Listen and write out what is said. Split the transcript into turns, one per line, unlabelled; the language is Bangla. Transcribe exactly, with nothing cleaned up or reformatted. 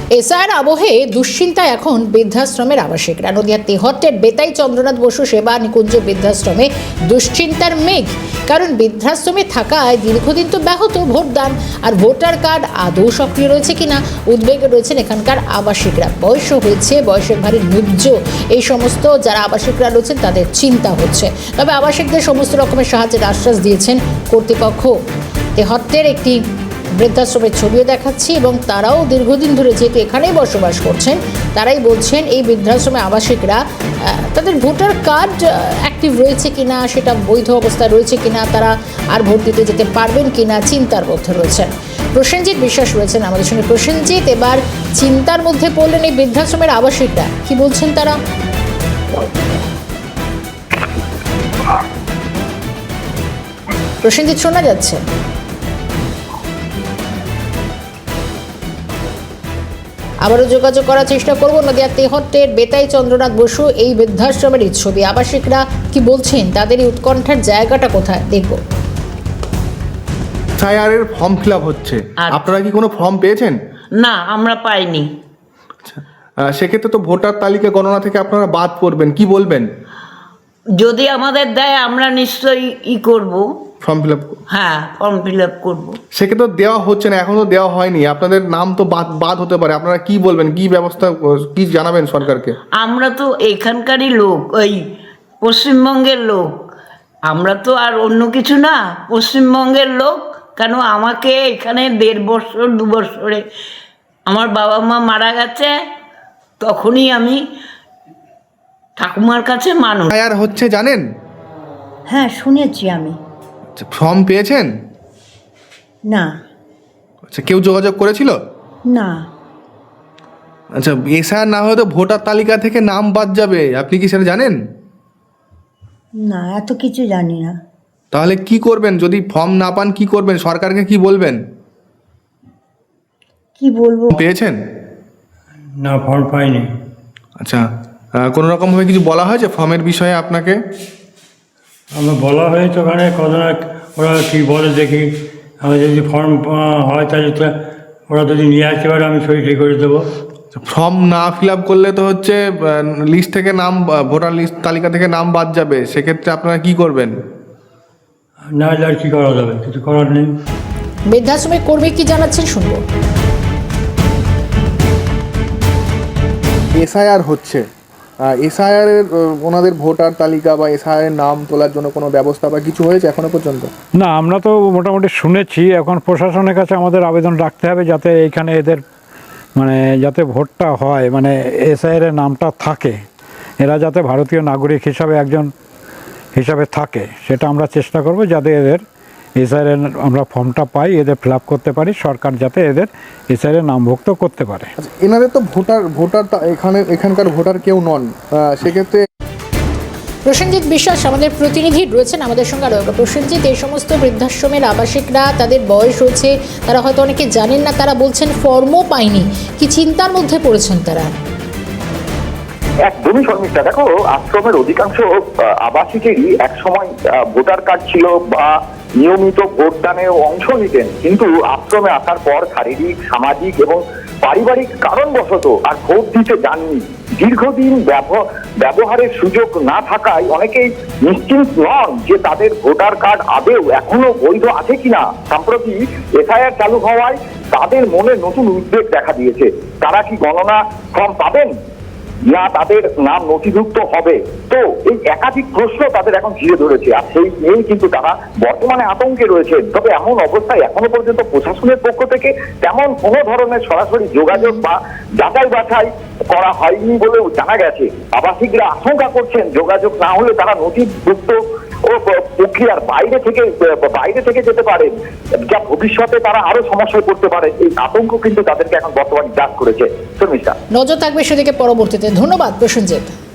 এসআইয়ের আবহে দুশ্চিন্তায় এখন বৃদ্ধাশ্রমের আবাসিকরা। নদিয়ার তেহট্টের বেতাই চন্দ্রনাথ বসু সেবা নিকুঞ্জ বৃদ্ধাশ্রমে দুশ্চিন্তার মেঘ। কারণ বৃদ্ধাশ্রমে থাকায় দীর্ঘদিন তো ব্যাহত ভোটদান, আর ভোটার কার্ড আদৌ সক্রিয় রয়েছে কিনা উদ্বেগে রয়েছেন এখানকার আবাসিকরা। বয়সও হয়েছে, বয়সের ভারী নুব্জ এই সমস্ত যারা আবাসিকরা রয়েছেন তাদের চিন্তা হচ্ছে। তবে আবাসিকদের সমস্ত রকমের সাহায্যের আশ্বাস দিয়েছেন কর্তৃপক্ষ। তেহট্টের একটি বৃদ্ধাশ্রমের ছবিও দেখাচ্ছি এবং তারাও দীর্ঘদিন ধরে যেহেতু এখানেই বসবাস করছেন, তারাই বলছেন এই বৃদ্ধাশ্রমে আবাসিকরা তাদের ভোটার কার্ড অ্যাক্টিভ রয়েছে কিনা, সেটা বৈধ অবস্থায় রয়েছে কিনা, তারা আর ভোট দিতে যেতে পারবেন কিনা চিন্তার মধ্যে রয়েছেন। প্রসেনজিৎ বিশ্বাস রয়েছেন আমাদের সঙ্গে। প্রসেনজিৎ, এবার চিন্তার মধ্যে পড়লেন এই বৃদ্ধাশ্রমের আবাসিকরা, কি বলছেন তারা? প্রসেনজিৎ, শোনা যাচ্ছে? আবারও যোগাযোগ করার চেষ্টা করবো। নদিয়া তেহট্টের বেতাই চন্দ্রনাথ বসু এই বৃদ্ধাশ্রমের ছবি। আবাসিকরা কি বলছেন, তাদের এই উৎকণ্ঠার জায়গাটা কোথায়, দেখবো।
এসআইআর ফর্ম ফিল আপ হচ্ছে, আপনারা কি কোনো ফর্ম পেয়েছেন?
না, আমরা পাইনি।
আচ্ছা, সেক্ষেত্রে তো ভোটার তালিকা গণনা থেকে আপনারা বাদ পড়বেন, কি বলবেন?
যদি আমাদের দেয় আমরা নিশ্চয়ই ই করব,
ফর্ম ফিল আপ।
হ্যাঁ, ফর্ম ফিল আপ করবো।
সেক্ষেত্রে দেওয়া হচ্ছে না, এখনো দেওয়া হয়নি, আপনাদের নাম তো বাদ বাদ হতে পারে। আপনারা কি বলবেন, কি ব্যবস্থা, কি জানাবেন সরকারকে?
আমরা তো এখানকারই লোক, ওই পশ্চিমবঙ্গের লোক, আমরা তো আর অন্য কিছু না, পশ্চিমবঙ্গের লোক। কেন আমাকে এখানে দেড় বছর দু বছরে আমার বাবা মা মারা গেছে, তখনই আমি ঠাকুমার কাছে মানুষ।
এসআইআর হচ্ছে জানেন?
হ্যাঁ, শুনেছি আমি।
ফর্ম পেয়েছেন?
না।
আচ্ছা, কেউ যোগাযোগ করেছিল?
না।
আচ্ছা, এসআইআর না হয়তো ভোটার তালিকা থেকে নাম বাদ যাবে, আপনি কি সেটা জানেন?
না, এত কিছু জানি না।
তাহলে কি করবেন যদি ফর্ম না পান? কি করবেন, সরকারকে কি বলবেন?
কি বলবো?
পেয়েছেন?
না, ফর্ম পাইনি।
আচ্ছা, কোনো রকমভাবে কিছু বলা হয়েছে ফর্মের বিষয়ে আপনাকে?
আমার বলা হয়েছে ওখানে কতটা, ওরা কী বলে দেখি। আমার যদি ফর্ম হয় তাহলে তো ওরা যদি নিয়ে আসতে পারে আমি সই সই করে দেবো।
ফর্ম না ফিল আপ করলে তো হচ্ছে লিস্ট থেকে নাম, ভোটার লিস্ট তালিকা থেকে নাম বাদ যাবে, সেক্ষেত্রে আপনারা কি করবেন?
না হলে আর কী করা যাবে, কিছু করার নেই।
বৃদ্ধাশ্রমের কর্মী কি জানাচ্ছেন, শুনবো।
এসআইআর হচ্ছে, এসআইআর এর ওনাদের ভোটার তালিকা বা এসআইআর নাম তোলার জন্য কোনো ব্যবস্থা বা কিছু হয়েছে এখনো পর্যন্ত?
না, আমরা তো মোটামুটি শুনেছি। এখন প্রশাসনের কাছে আমাদের আবেদন রাখতে হবে যাতে এইখানে এদের মানে যাতে ভোটটা হয়, মানে এসআইআর এর নামটা থাকে, এরা যাতে ভারতীয় নাগরিক হিসাবে একজন হিসাবে থাকে, সেটা আমরা চেষ্টা করব যাতে এদের এসআইআর এর আমরা ফর্মটা পাই, এদের ফিল আপ করতে পারি, সরকার যাতে এদের এসআইআর এর নামভুক্ত করতে পারে।
এনাদের তো ভোটার ভোটার এখানে এখানকার ভোটার কেউ নন, সেক্ষেত্রে।
প্রসেনজিৎ বিশ্বাস আমাদের প্রতিনিধি রয়েছেন আমাদের সঙ্গে আরও। প্রসেনজিৎ, এই সমস্ত বৃদ্ধাশ্রমের আবাসিকরা, তাদের বয়স হচ্ছে, তারা হয়তো অনেকে জানেন না, তারা বলছেন ফর্মও পায়নি, কি চিন্তার মধ্যে পড়েছেন তারা?
একদমই শর্মিষ্ঠা, দেখো আশ্রমের অধিকাংশ আবাসিকেরই এক সময় ভোটার কার্ড ছিল বা নিয়মিত ভোটদানে অংশ নিতেন, কিন্তু আশ্রমে আসার পর শারীরিক, সামাজিক এবং পারিবারিক কারণবশত আর ভোট দিতে যাননি। দীর্ঘদিন ব্যবহারের সুযোগ না থাকায় অনেকেই নিশ্চিন্ত নন যে তাদের ভোটার কার্ড আদৌ এখনো বৈধ আছে কিনা। সম্প্রতি এসআইআর চালু হওয়ায় তাদের মনে নতুন উদ্বেগ দেখা দিয়েছে। তারা কি গণনা ফর্ম পাবেন, না তাদের নাম নথিভুক্ত হবে? তো এই একাধিক প্রশ্ন তাদের এখন ঘিরে ধরেছে, আর সেই নিয়েই কিন্তু তারা বর্তমানে আতঙ্কে রয়েছে। তবে এমন অবস্থায় এখনো পর্যন্ত প্রশাসনের পক্ষ থেকে তেমন কোনো ধরনের সরাসরি যোগাযোগ বা যাচাই বাছাই করা হয়নি বলেও জানা গেছে। আবাসিকরা আশঙ্কা করছেন যোগাযোগ না হলে তারা নথিভুক্ত ও প্রক্রিয়ার বাইরে থেকে বাইরে থেকে যেতে পারে, যা ভবিষ্যতে তারা আরো সমস্যায় পড়তে পারে। এই আতঙ্ক কিন্তু তাদেরকে এখন বর্তমানে গ্রাস করেছে। শর্মিষ্ঠা,
নজর থাকবে সেদিকে পরবর্তীতে। ধন্যবাদ প্রসেনজিৎ।